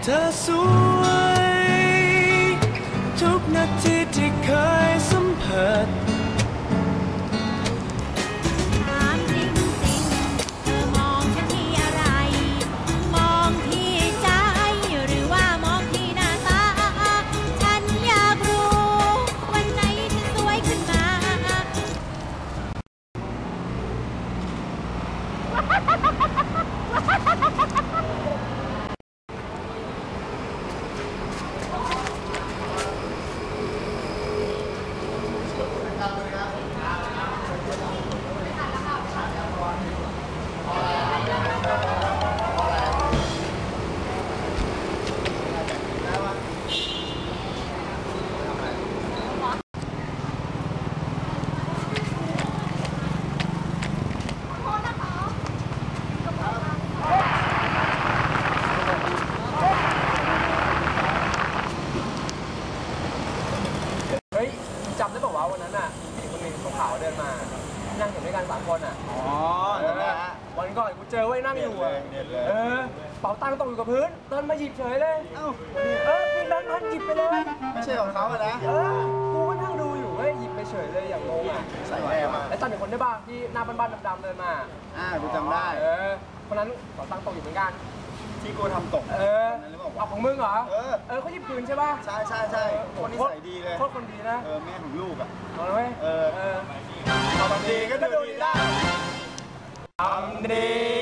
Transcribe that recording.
เธอสวยทุกนาทีที่เคยสัมผัสถามจริงๆเธอมองฉันที่อะไรมองที่ใจหรือว่ามองที่หน้าตาฉันอยากรู้วันไหนฉันสวยขึ้นมาจำได้บอกว่าวันนั้นน่ะมีผู้หญิงคนหนึ่งขาวๆเดินมานั่งอยู่ด้วยกัน3 คนอ่ะวันก่อนกูเจอไว้นั่งอยู่เป๋าตังค์ตกอยู่กับพื้นเดินมาหยิบเฉยเลยมีแบงค์พันหยิบไปเลยไม่ใช่ของเขาอะนะกูก็นั่งดูอยู่หยิบไปเฉยเลยอย่างงงอ่ะใส่แน่มาแล้วจำอีกคนได้บ้างที่หน้าบ้านๆดำๆเดินมากูจำได้คนนั้นเป๋าตังค์ตกอยู่เหมือนกันที่กูทำตกเอาของมึงเหรอเขาหยิบคืนใช่ป่ะใช่คนนิสัยดีเลยโคตรคนดีนะแม่ของลูกอ่ะเอาเลยทำดีก็ดูดีได้ทำดี